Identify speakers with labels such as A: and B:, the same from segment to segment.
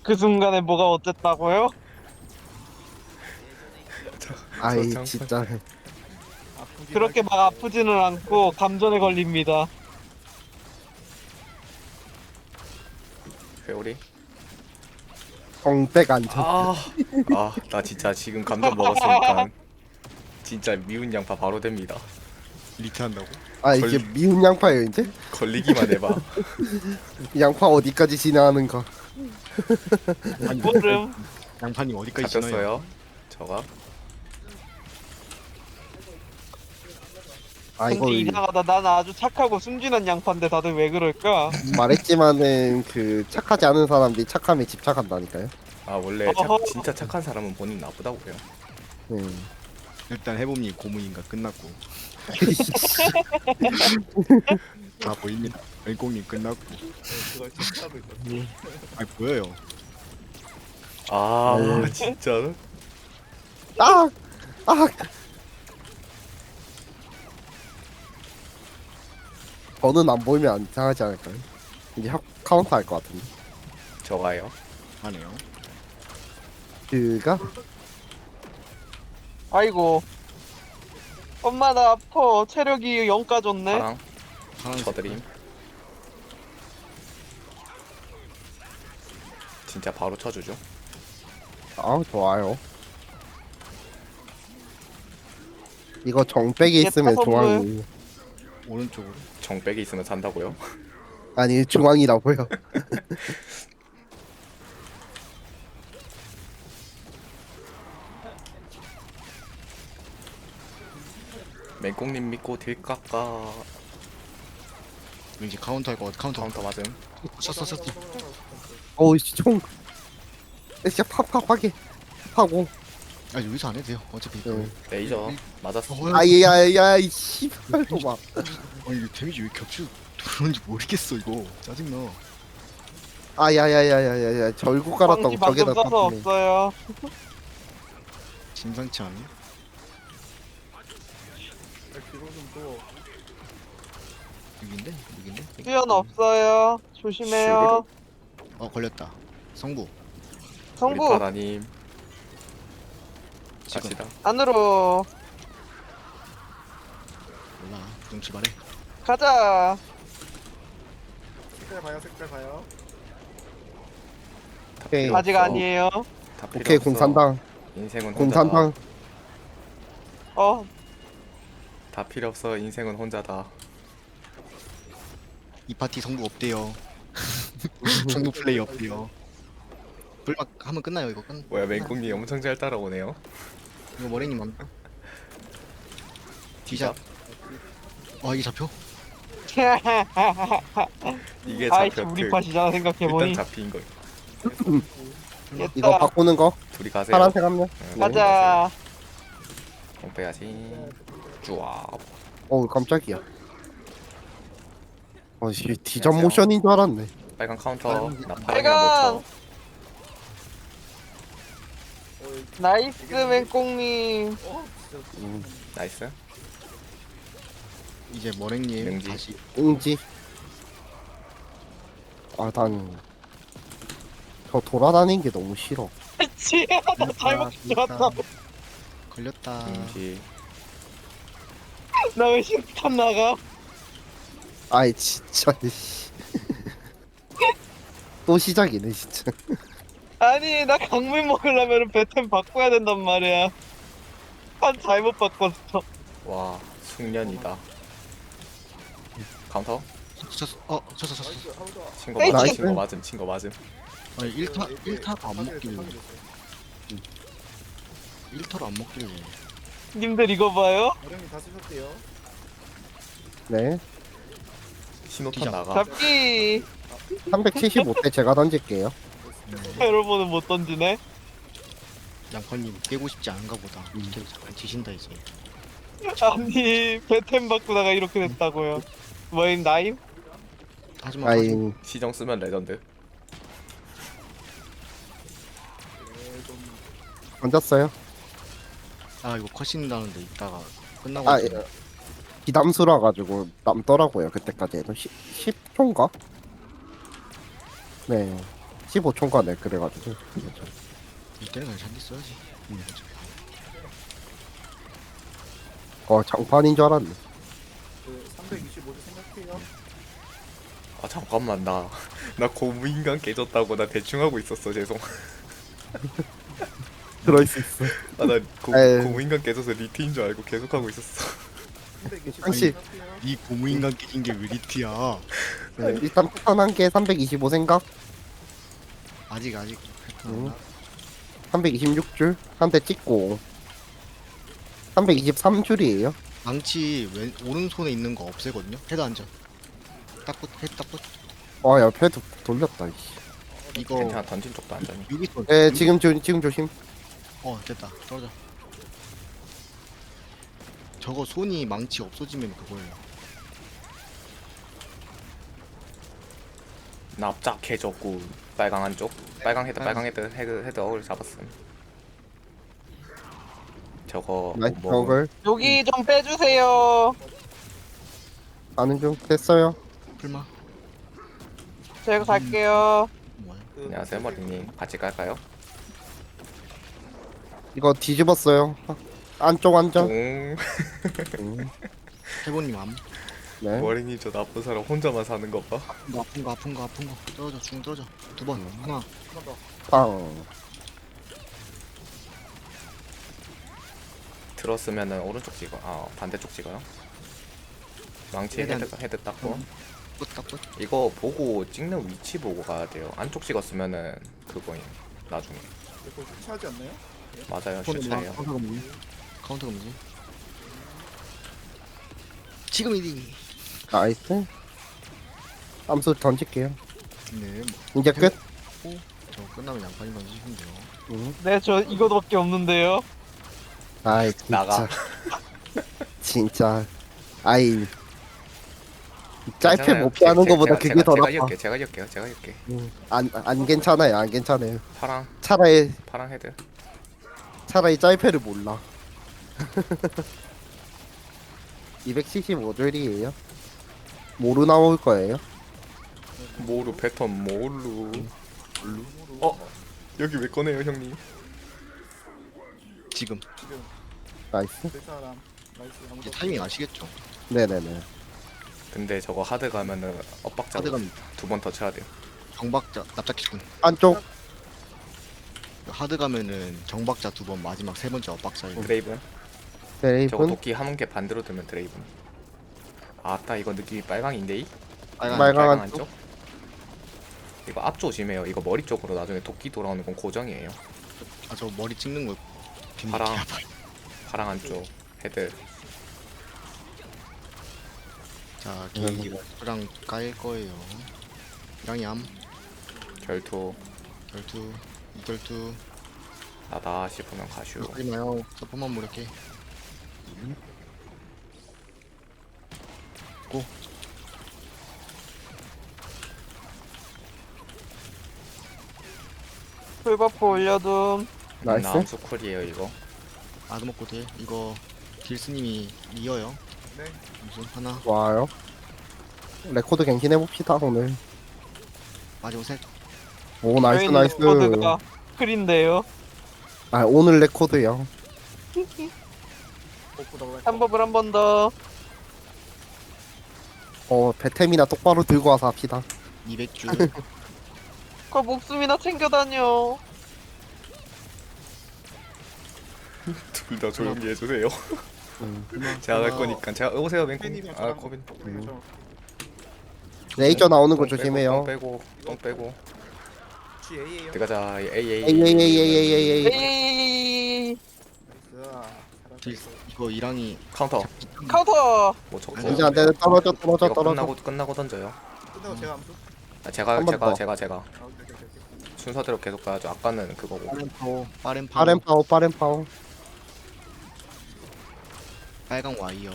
A: 그 순간에 뭐가 어땠다고요?
B: 아이
C: 저
B: 진짜
D: 아프긴
A: 그렇게 막 아프지는 않고 감전에 걸립니다.
C: 회오리.
B: 정백 안전.
C: 나 진짜 지금 감정 먹었으니까 진짜 미운 양파 바로 됩니다.
D: 리트한다고?
B: 아 이게
C: 걸-
B: 미운 양파예요 이제?
C: 걸리기만 해봐.
B: 양파 어디까지 진화하는가?
A: 모름.
D: 양파님 어디까지 지나요?
C: 잡혔어요. 저가.
B: 아 이거
A: 근데 이상하다. 난 아주 착하고 순진한 양파인데 다들 왜 그럴까?
B: 말했지만은 그 착하지 않은 사람들이 착함에 집착한다니까요.
C: 원래
A: 어허.
C: 진짜 착한 사람은 본인 나쁘다고요.
B: 네.
D: 일단 해봄님 고문인가 끝났고 다 보입니다. 왼공님 끝났고
E: 그걸 체크하고 있었어.
D: 아 보여요.
B: 네.
C: 진짜.
B: 아! 아! 저는 안 보이면 안 이상하지 않을까요? 이제 카운터 할 것 같은데.
C: 저가요.
D: 하네요.
B: 그가
A: 아이고. 엄마 나 아파. 체력이 0 까졌네.
C: 파랑.
D: 파란색.
C: 쳐드림. 진짜 바로 쳐주죠.
B: 아 좋아요. 이거 정백이
A: 이게
B: 있으면
A: 타선물.
B: 중앙이
D: 오른쪽으로.
C: 정백이 있으면 산다고요?
B: 아니 중앙이라고요.
C: 맹꽁님 믿고 딜 깎아.
D: 왠지 카운터 할 것 같아. 카운터.
C: 카운터 맞음.
D: 쳤어.
B: 어우 총. 진짜 팍팍하게 하고.
D: 아 여기서 안 해도 돼요. 어차피 이거.
B: 네.
C: 레이저 맞았어.
B: 아이야야 이 씨발도 막.
D: 아니 이거 데미지 왜 겹쳐 들어오는지 모르겠어 이거. 짜증나.
B: 아야야야야야야 절구 깔았다고
A: 광지 방금
B: 저게다
A: 써서
B: 떴네.
A: 없어요.
D: 심상치 않네.
E: 뒤로 좀 또.
D: 6인데?
A: 수연 없어요. 조심해요.
D: 걸렸다. 성부.
C: 우리
A: 성부
C: 바다님
D: 지금.
C: 갑시다.
A: 안으로
D: 몰라. 좀 출발해.
A: 가자.
E: 색깔 봐요, 색깔 봐요.
B: 오케이.
A: 아직 아니에요.
C: 다 필요
B: 오케이
C: 없어.
B: 공산당
C: 인생은 혼자다.
B: 공산당.
A: 어
C: 다 필요 없어. 인생은 혼자다.
D: 이 파티 성부 없대요. 성부 플레이 없대요. 불막 하면 끝나요 이거 끝.
C: 뭐야 맹꽁님 엄청 잘 따라오네요.
D: 이거 머랭님 안. 디자. 이게 잡혀?
C: 이게
A: 아이씨
C: 잡혀.
A: 우리 팟이잖아
C: 일단
A: 생각해보니.
C: 잡힌 거.
B: 이거
A: 됐다.
B: 바꾸는 거
C: 둘이 가세요.
B: 파란색 한 명.
C: 응,
A: 가자.
C: 공 빼야지. 쭈아.
B: 어우 깜짝이야. 어씨 디전
C: 안녕하세요.
B: 모션인 줄 알았네.
C: 빨간 카운터. 나
A: 빨간!
C: 파랑이랑 못 쳐.
A: 나이스 맹꽁님.
C: 나이스.
D: 이제 머랭님
C: 능지.
D: 다시.
B: 응지. 난 저 돌아다니는 게 너무 싫어.
A: 그치? 나 잘못 들었다.
D: 걸렸다.
C: 인지.
A: 나 왜 신탄 나가?
B: 아이 진짜 씨. 또 시작이네 진짜.
A: 아니 나 강물 먹으려면 배템 바꿔야 된단 말이야. 한 잘못 바꿨어.
C: 와 숙련이다. 카운터.
D: 쳤어. 쳤어.
C: 친거
A: 에이,
C: 맞음.
B: 나이스.
C: 친거 맞음. 친거 맞음.
D: 아니 1타가 안 먹길래. 1타로 안 먹길래.
A: 님들 이거 봐요.
E: 어령님 다 쓰셨대요.
B: 네.
C: 신호탄
D: 기자.
C: 나가.
A: 잡기.
B: 375대 제가 던질게요.
A: 여러분은 못 던지네.
D: 양파님 깨고 싶지 않은가 보다. 이렇게 잠깐 지신다 이제.
A: 아니 배템 바꾸다가 이렇게 됐다고요. 뭐임 나임?
D: 하지만
B: 아이
C: 시정 쓰면 레전드.
B: 던졌어요.
D: 이거 컷신 나는데 이따가 끝나고.
B: 아 비담수라 가지고 남더라고요 그때까지 해도 10초인가? 네. 15초인가네 그래가지고.
D: 이때는 그냥 잔디 써야지.
B: 장판인 줄 알았네.
E: 그 325도 생각해요.
C: 아 잠깐만 나 고무인간 깨졌다고 나 대충 하고 있었어 죄송.
B: 들어있을 수 있어.
C: 아나
B: 에이.
C: 고무인간 깨져서 리트인 줄 알고 계속 하고 있었어.
E: 325도
B: 당시-
E: 생각해요.
D: 이 고무인간 깨진 게 왜 리트야?
B: 네, 일단 패턴 한 개 325 생각.
D: 아직
B: 응. 326줄 한 대 찍고. 323줄이에요.
D: 망치 오른손에 있는 거 없애거든요. 헤드 안전. 헤드 딱붙.
B: 야 패드 돌렸다. 이씨.
D: 이거
C: 괜찮아 던진 쪽도 안전히.
D: 여기서
B: 네 지금 조심.
D: 됐다. 떨어져. 저거 손이 망치 없어지면 그거예요.
C: 납작해졌고 빨강 한쪽 빨강 헤드 어글 잡았음. 저거
B: 나이스
C: 뭐
B: 어글.
A: 여기 좀 빼주세요.
B: 아는 중 됐어요.
D: 풀마.
A: 제가 갈게요.
D: 뭐야?
E: 그
C: 안녕하세요 머리님 같이 갈까요?
B: 이거 뒤집었어요. 안쪽 안전.
C: 응.
D: 해보님 암.
B: 네.
C: 머리님 저 나쁜 사람 혼자만 사는 거 봐.
D: 아픈 거 떨어져 중 떨어져 두 번 하나
E: 한번 더.
B: 빵.
C: 들었으면은 오른쪽 찍어. 반대쪽 찍어요. 망치
D: 헤드
C: 헤드 닦고.
D: 끝
C: 이거 보고 찍는 위치 보고 가야 돼요. 안쪽 찍었으면은 그거임. 나중에.
E: 이거 슈치하지 않나요?
C: 맞아요. 슈차예요.
D: 카운터가 뭐지? 지금이디.
B: 나이스. 암수 던질게요.
D: 네,
B: 이제 끝.
D: 저 끝나면 양파인 던지시면 돼요.
B: 응.
A: 네, 저 이거밖에 없는데요.
B: 아이 진짜.
C: 나가.
B: 진짜. 아이. 짧게
C: 괜찮아요.
B: 못 피하는
C: 제-
B: 거보다
C: 제가-
B: 그게
C: 제가-
B: 더
C: 제가
B: 나빠.
C: 이을게요. 제가 이을게요.
B: 안 괜찮아요. 안 괜찮아요.
C: 파랑
B: 차라리
C: 헤드.
B: 짧게를 몰라. 275줄이에요. 모루 나올 거예요.
C: 모루 패턴 모루. 여기 왜 꺼내요 형님?
D: 지금
E: 지금
B: 나이스.
E: 될 사람. 나이스. 아무도
D: 이제 타이밍 아시겠죠?
B: 네네네.
C: 근데 저거 하드 가면은 엇박자
D: 하드 가면
C: 2번 더 쳐야 돼요.
D: 정박자 납작기군.
B: 안쪽.
D: 하드 가면은 정박자 두 번 마지막 세 번째 엇박자예요.
C: 드레이븐. 저거
B: 드레이븐.
C: 도끼 한 개 반대로 들면 드레이븐. 아따 이거 느낌이 빨강인데 이?
B: 빨강 안쪽.
C: 안쪽. 이거 앞 조심해요. 이거 머리 쪽으로 나중에 도끼 돌아오는 건 고정이에요.
D: 저 머리 찍는 거 괜히
C: 파랑.
D: 개 아파요.
C: 파랑 안쪽 헤드.
D: 자 게이지랑 깔 거예요. 양이암
C: 결투.
D: 결투 이결투
C: 나다 싶으면 가슈.
D: 하지 마요. 서포만 무력해. 고.
A: 풀버프 올려둠.
B: 나이스.
C: 암수 쿨이에요 이거.
D: 아드 먹고 돼. 이거 딜스님이 이어요.
E: 네.
D: 무슨 하나
B: 와요. 레코드 갱신해 봅시다 오늘.
D: 마지막 셋.
B: 오 나이스
A: 저희는
B: 나이스.
A: 코드가 클인데요.
B: 아 오늘 레코드요.
E: 복부 나올
A: 한 법을 한 번 더.
B: 배템이나 똑바로 들고 와서 합시다.
D: 200줄.
A: 그 목숨이나 챙겨 다녀.
C: 둘 다 조용히 해주세요.
B: 음.
C: 제가 갈 거니까 제가 오세요 맹콩.
E: 팬이면
C: 아
E: 저랑
C: 코빈.
E: 팬이면
B: 레이저 나오는 거
C: 똥
B: 조심해요.
C: 빼고 똥 빼고.
E: 저 GA예요.
C: 들어가자.
B: 에이.
A: 에이.
E: 나이스.
D: 딜 이거 이랑이
C: 카운터.
A: 카운터.
C: 뭐 적고.
B: 이제 안 되네. 떨어져.
C: 이거 끝나고 던져요.
E: 끝나고 제가 암수.
C: 제가
B: 한번 더.
C: 제가
E: 아, 오케이.
C: 순서대로 계속 가야죠. 아까는 그거고.
D: 빠른 파워
B: 빠른 파워.
D: 빨강 와이어.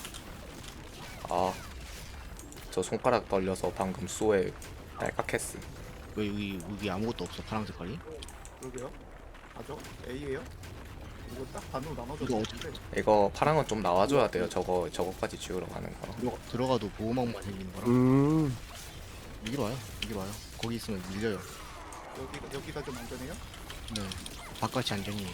C: 아, 저 손가락 떨려서 방금 쏘에 딸깍했어.
D: 왜 여기 아무것도 없어 파랑 색깔이?
E: 그러게요. 아죠? A예요? 이거 딱 반으로 나눠져.
D: 이거
E: 있는데.
C: 이거 파랑은 좀 나와줘야 돼요. 저거까지 지우러 가는 거.
D: 들어가도 보호막만 생기는 거라.
B: 음.
D: 여기로 와요. 거기 있으면 밀려요.
E: 여기가 좀 안전해요?
D: 네. 바깥이 안전이에요.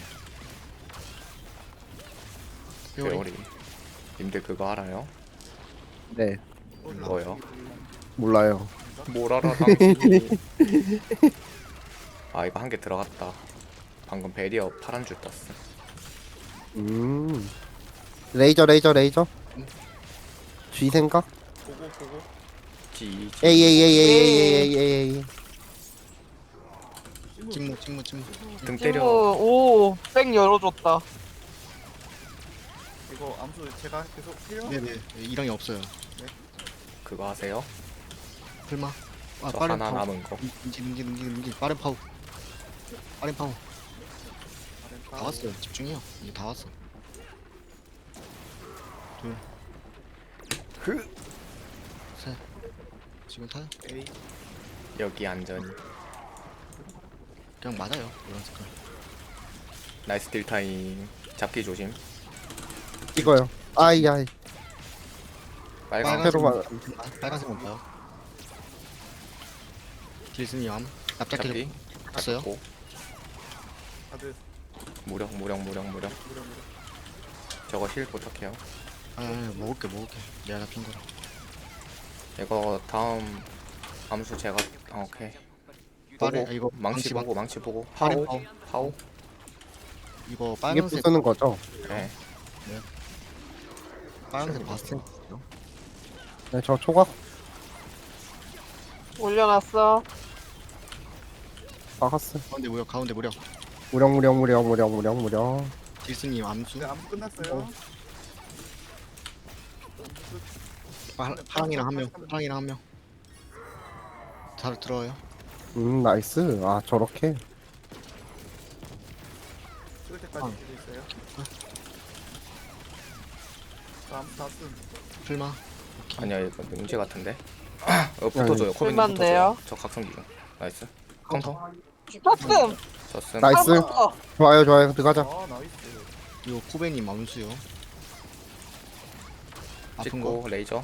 C: 회오리. 님들 그거 알아요?
B: 네,
C: 뭐요?
B: 몰라요.
C: 뭘 알아 당신이. 아 이거 한 개 들어갔다. 방금 베리어 파란 줄 떴어.
B: 레이저. G 생각?
E: 보고.
C: 지.
B: 에이.
E: 찜무.
D: 찜무.
C: 등
A: 찜무
C: 때려.
A: 오백 열어줬다.
E: 이거 암수 제가 계속 해요?
D: 네네. 이랑이 없어요.
C: 그거 하세요?
D: 설마. 아
C: 저
D: 빠른
C: 하나
D: 파워.
C: 남은 거.
D: 능지. 빠른 파워. 다
E: 아랫바.
D: 왔어요. 집중해요. 이제 다 왔어. 둘. 셋. 지금 타요?
E: A.
C: 여기 안전히.
D: 그냥 맞아요. 이런 색깔.
C: 나이스 딜 타임. 잡기 조심.
B: 찍어요. 아이.
C: 빨강.
B: 새로 말-
D: 빨간색만 봐요. 딜슨이 암. 납작해서
C: 잡기.
D: 봤어요?
C: 잡고.
E: 다들
C: 무력.
E: 무려.
C: 저거 힐 부탁해요.
D: 아 먹을게. 내가 잡힌 거라.
C: 이거 다음 암수 제가 오케이.
D: 빠른
C: 보고
D: 이거
C: 망치
D: 망치
C: 보고
D: 빠른
C: 파오.
D: 이거
B: 이게
D: 빨간색
B: 부수는 거죠?
C: 네.
D: 봤어요.
B: 네, 저 초각
A: 올려놨어.
B: 박았어.
D: 가운데 무려.
B: 무령.
D: 딜슨님 암수.
E: 네, 암수 끝났어요.
D: 파랑이랑 한 명. 잘 들어요.
B: 나이스. 아, 저렇게.
E: 찍을 때까지 되고 있어요. 암수 다 쓴.
D: 풀마.
C: 아니야 이거 능지 같은데. 붙어줘요. 코빈님
A: 쓸만한데요?
C: 붙어줘요. 저 각성 기준. 나이스. 카운터.
A: 쳤음.
C: 저스.
B: 나이스.
A: 어,
B: 좋아요. 들어가자.
E: 아 나이스.
D: 이거 코베님 암수요. 아픈 거.
C: 찍고 레이저.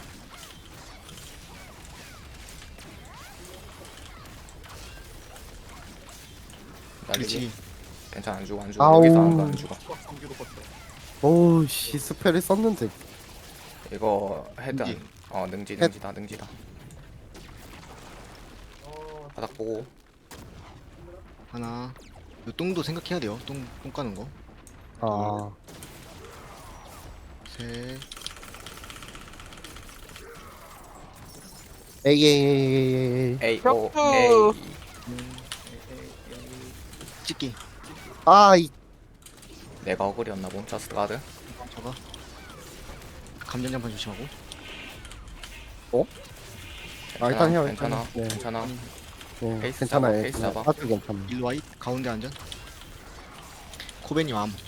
C: 날리기.
D: 그렇지.
C: 괜찮아 안 죽어.
B: 아우.
C: 여기서 안 죽어.
E: 수학 성기로 껐어.
B: 오우, 씨, 스펠을 썼는데.
C: 이거 헤드
D: 능지.
C: 능지다. 바닥 보고.
D: 하나. 이 똥도 생각해야 돼요. 똥 까는 거.
B: 아,
D: 셋.
B: 에이.
C: A O
A: 격투.
C: A.
D: 찍기.
B: 아,
C: 내가 어글이었나 봄. 저스트 가드.
D: 저거. 감전장판 조심하고.
B: 일단 해요.
C: 괜찮아.
B: 네.
C: 괜찮아.
B: 네,
C: 페이스
B: 괜찮아요.
C: 잡아, 페이스 잡아.
B: 아주 괜찮아.
D: 일로 와이. 가운데 안전. 코베님 암.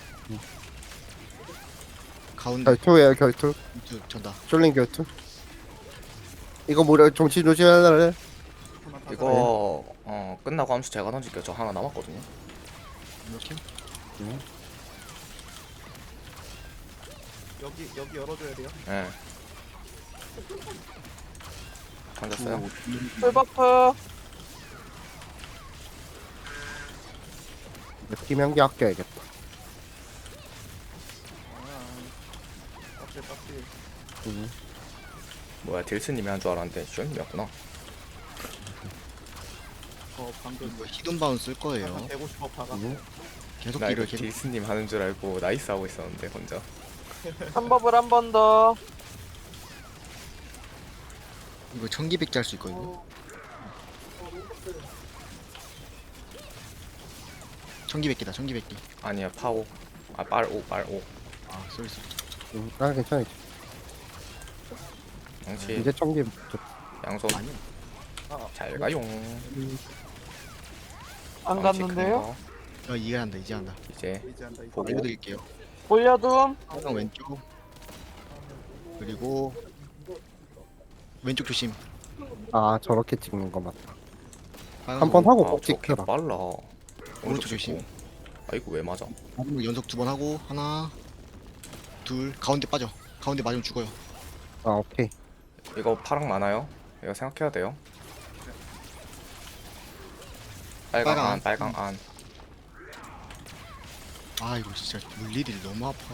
D: 가운데.
B: 결투예요, 결투.
D: 전다.
B: 쫄린 결투. 이거 뭐래, 정치 조심하래.
C: 이거 끝나고 함수 제가 던질게요. 저 하나 남았거든요.
D: 이렇게.
E: 여기 열어줘야 돼요.
C: 예. 던졌어요?
A: 풀버프.
B: 김연기 아껴야겠다.
E: 빡세.
C: 뭐야 딜스님이 한 줄 알았는데 쇼님이었구나.
E: 방금
D: 이거 히든 바운 쓸 거예요.
E: 150억 박아.
D: 계속
C: 나 이거
D: 딜을 계속.
C: 딜스님 하는 줄 알고 나이스 하고 있었는데 혼자.
A: 한 법을 한 번 더.
D: 이거 청기백기 할 수 있거든요. 청기백기다. 청기백기.
C: 아니야 파오. 아 빨오.
D: 아 쏘리.
B: 아, 괜찮아.
C: 양치
B: 이제 청기.
C: 양손
D: 아니야.
C: 잘 가용.
A: 안
C: 망치 큰
A: 갔는데요?
C: 거.
D: 이제 한다.
C: 이제
E: 이제 한다. 이제.
C: 보고.
D: 알려드릴게요.
A: 올려둠.
D: 항상 왼쪽. 그리고 왼쪽 조심.
B: 아, 저렇게 찍는 거 맞다.
D: 빨간
B: 한 번
D: 거.
B: 하고
C: 아,
B: 꼭
C: 저렇게
B: 찍혀라.
C: 빨라.
D: 오른쪽 조심.
C: 찍고. 아이고 왜 맞아?
D: 마지막 연속 2번 하고 하나, 둘, 가운데 빠져. 가운데 맞으면 죽어요.
B: 아, 오케이.
C: 이거 파랑 많아요. 이거 생각해야 돼요. 빨강
D: 빨강
C: 안
D: 안.
C: 빨강 안.
D: 아 이거 진짜 물일이 너무 아파.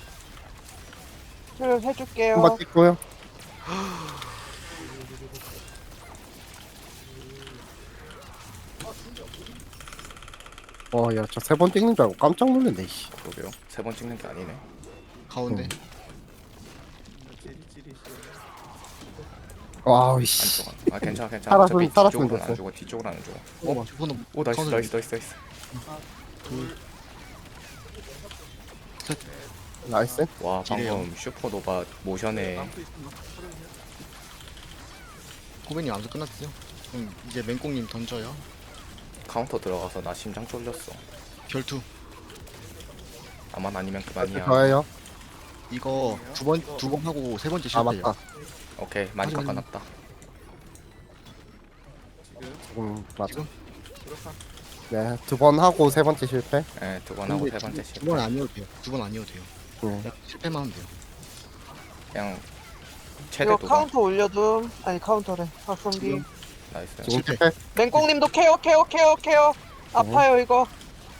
A: 힐 해줄게요.
B: 한번 찍고요. 야, 저 세 번 찍는 줄 알고 깜짝 놀랐네, 씨.
C: 그러게요. 3번 찍는 게 아니네.
D: 가운데.
E: 찌리찌리
B: 와우, 씨.
C: 안쪽 안. 아 괜찮아 괜찮아. 어차피
B: 살았으면
C: 뒤쪽으로는 안
B: 됐어.
C: 죽어. 뒤쪽으로 안 죽어.
D: 어, 저거는
C: 오 나이스
D: 카운터
C: 나이스 나이스 나이스.
B: 나이스.
C: 와
D: 지뢰요.
C: 방금 슈퍼노바 모션에
E: lam프 있으면 털어주냐?
D: 고객님 암수 끝났어요. 그럼 이제 맹꽁님 던져요.
C: 카운터 들어가서 나 심장 쫄렸어.
D: 결투.
C: 나만 아니면 그만이야.
B: 저예요.
D: 이거 두 번 하고 세 번째
B: 아,
D: 실패예요.
B: 맞다.
C: 오케이 많이
D: 하지만-
C: 깎아놨다.
E: 지금
B: 맞아.
D: 지금?
E: 그렇다.
B: 네, 두 번 하고 세 번째 실패.
C: 네, 2번 하고 3번째 실패.
D: 두번 아니어도 돼요. 두 번 아니어도 돼요.
B: 네.
D: 그냥 실패만 하면 돼요.
C: 그냥 최대
A: 이거
C: 2번.
A: 카운터 올려둠. 아니 카운터래. 박성기.
D: 지금?
C: 나이스.
B: 지금
D: 실패.
B: 실패.
A: 맹꽁님도 케어. 아파요 이거.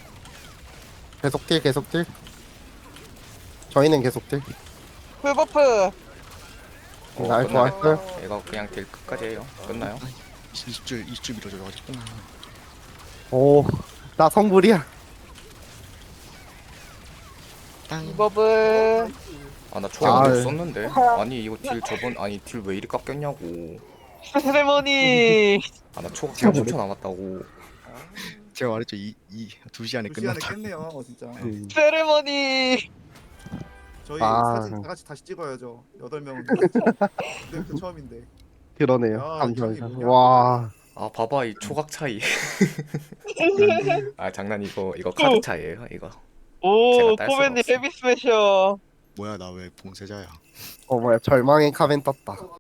B: 계속 딜, 계속 딜. 저희는 계속 딜.
A: 풀버프.
B: 날
C: 끝나네.
B: 좋았어요.
C: 이거 그냥 딜 끝까지 해요. 끝나요?
D: 20줄 밀어줘요. 아직 끝나.
B: 오, 나 성불이야.
D: 땅.
A: 버블.
C: 아 나 초각 못
B: 아,
C: 썼는데. 아니 이거 딜 아니 딜 왜 이리 깎였냐고.
A: 세레머니.
C: 아 나 초각 30초 남았다고.
D: 제가 말했죠. 2시 안에
E: 2 시간에
D: 끝났다.
E: 깼네요 진짜.
A: 세레머니.
E: 저희
B: 아.
E: 사진 다 같이 다시 찍어야죠. 8명. 그때부터 처음인데.
B: 그러네요.
E: 야,
B: 잠시만요.
E: 이게 뭐냐?
B: 와,
C: 아 봐봐 이 초각 차이. 아 장난 이거 카드 차이에요 이거.
A: 오
C: 제가 딸 수가
A: 코벤님
C: 없어.
A: 헤비 스매셔.
D: 뭐야 나 왜 봉쇄자야?
B: 뭐야, 절망의 카벤 떴다.